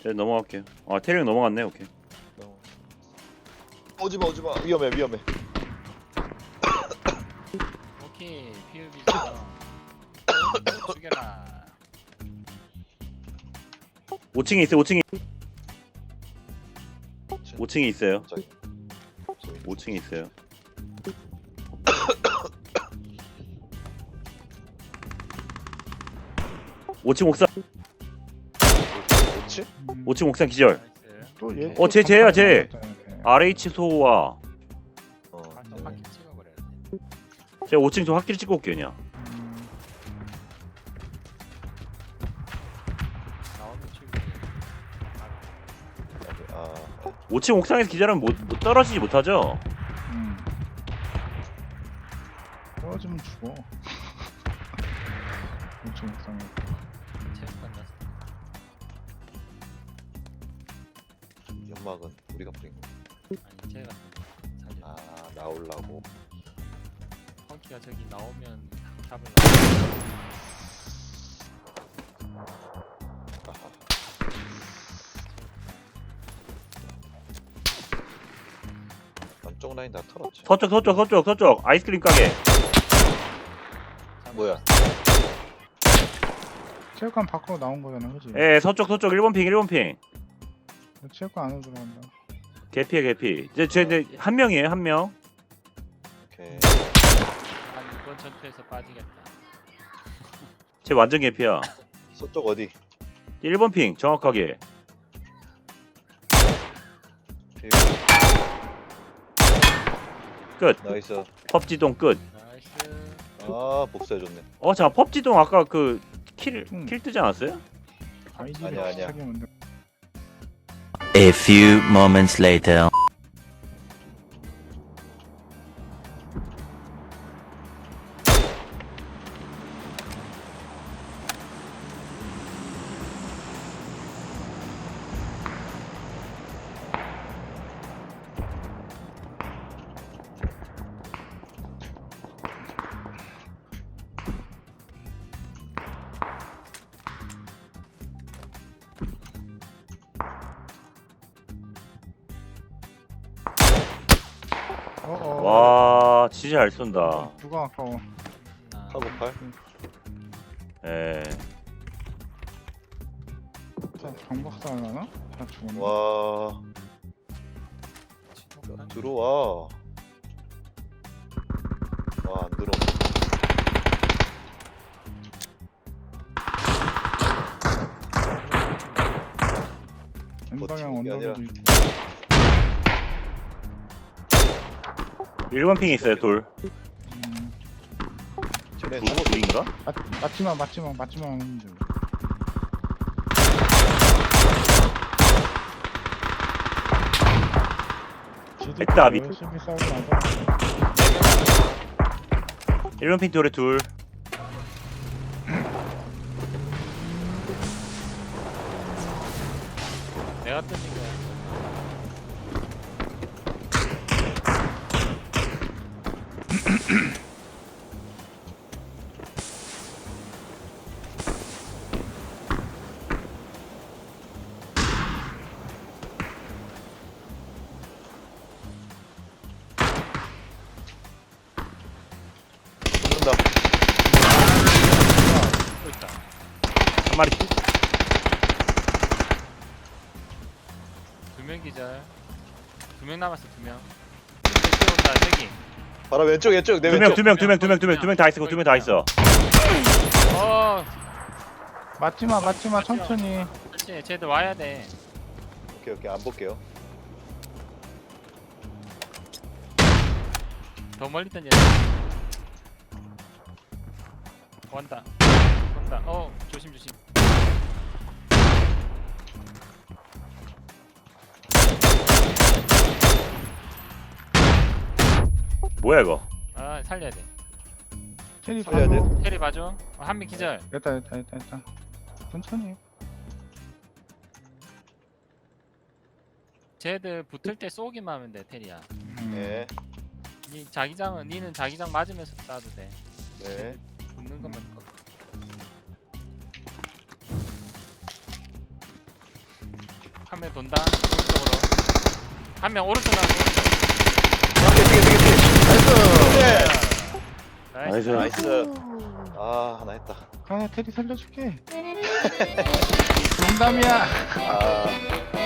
네, 넘어갈게요. 아 태령 넘어갔네. 오케이. 오지마 위험해 오케이 PUBG 죽여라. 5층에 있어요. 5층에 있어요. 갑자기 5층에 있어요. 오층 옥상. 뭐지? 5층 옥상 기절. 나이스. 또 얘. 어, 쟤야. RH 소와. 어 좀 바퀴 찍어버려야 돼. 제가 5층 좀 확실히 찍고 올게요 그냥. 나오면 죽이지. 아 5층 옥상에서 기절하면 못 떨어지지 못하죠. 떨어지면 죽어. 엄청 이상해. 체육관 갔어. 연막은 우리가 뿌린 거. 아니 제가 사실 아 나올라고. 펑키가 저기 나오면 잡으려고. 아하. 남쪽 라인 다 털었지. 서쪽 아이스크림 가게. 뭐야? 체육관 밖으로 나온 거잖아, 그지? 예, 서쪽 1번 핑. 체육관 안으로 들어간다. 개피. 이제 한 명이에요, 한 명. 오케이. 한 이번 전투에서 빠지겠다. 쟤 완전 개피야. 서쪽 어디? 1번 핑 정확하게. 끝. 나이스. 펍지동 끝. 나이스. 아 복수해줬네. 잠깐 펍지동 아까 그 킬 뜨지 않았어요? 아이디를 아니야. 비슷하게 만들. A few moments later. 와, 진짜 잘 쏜다. 누가 아까워. 카고팔. 예. 자, 경박사 하려나? 다 죽었네. 와 들어와. 와 안 들어. 왼방향 버티는 게 언덕에도 아니라. 있고. 1번 핑에 있어요, 돌. 쟤네 둘인가? 맞지마 하는 줄. 됐다, 미- 열심히 싸우고 나서 1번 핑 돌에 둘. 내가 뜬 거야. 죽는다. 또 있다. 한 마리. 2명 기절. 2명 남았어 2명. 저기 온다 저기. 바로 왼쪽 내 두 왼쪽. 명 다 있어. 2명 다 있어. 어, 맞지마 천천히. 그렇지. 쟤들 와야 돼. 오케이 안 볼게요. 더 멀리 던져. 온다. 조심. 뭐야 이거? 아 살려야 돼. 체리 살려야 돼. 봐줘. 캐리 봐줘. 한 명 기절. 됐다. 천천히. 쟤들 붙을 때 쏘기만 하면 돼 테리야. 네. 니는 자기장 맞으면서 쏴도 돼. 네. 붙는 것만 거. 한 명 돈다. 오른쪽으로. 한 명 오른쪽 나고. 나이스. 나이스. 나이스. 아, 하나 했다. 아 테리 살려줄게 농담이야 아,